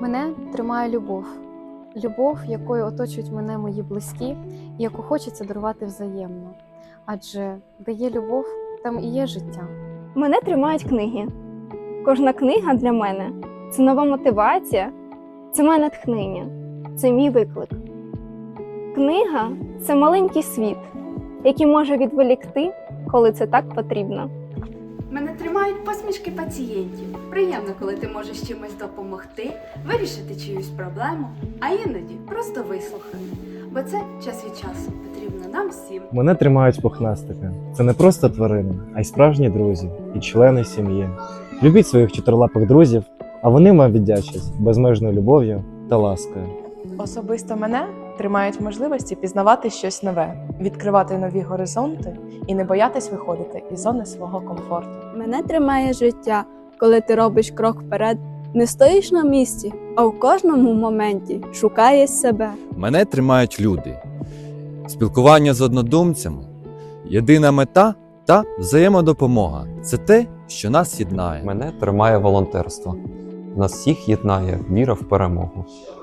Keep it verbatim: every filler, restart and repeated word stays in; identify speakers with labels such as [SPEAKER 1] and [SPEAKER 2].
[SPEAKER 1] Мене тримає любов. Любов, якою оточують мене мої близькі, і яку хочеться дарувати взаємно. Адже де є любов, там і є життя.
[SPEAKER 2] Мене тримають книги. Кожна книга для мене це нова мотивація, це моє натхнення, це мій виклик. Книга це маленький світ, який може відволікти, коли це так потрібно.
[SPEAKER 3] Мене тримають посмішки пацієнтів. Приємно, коли ти можеш чимось допомогти, вирішити чиюсь проблему, а іноді просто вислухати. Бо це час від часу потрібно нам всім.
[SPEAKER 4] Мене тримають пухнастики. Це не просто тварини, а й справжні друзі і члени сім'ї. Любіть своїх чотирилапих друзів, а вони вам віддячать безмежною любов'ю та ласкою.
[SPEAKER 5] Особисто мене тримають можливості пізнавати щось нове, відкривати нові горизонти і не боятись виходити із зони свого комфорту.
[SPEAKER 6] Мене тримає життя, коли ти робиш крок вперед, не стоїш на місці, а в кожному моменті шукаєш себе.
[SPEAKER 7] Мене тримають люди, спілкування з однодумцями, єдина мета та взаємодопомога – це те, що нас єднає.
[SPEAKER 8] Мене тримає волонтерство. Нас всіх єднає віра в перемогу.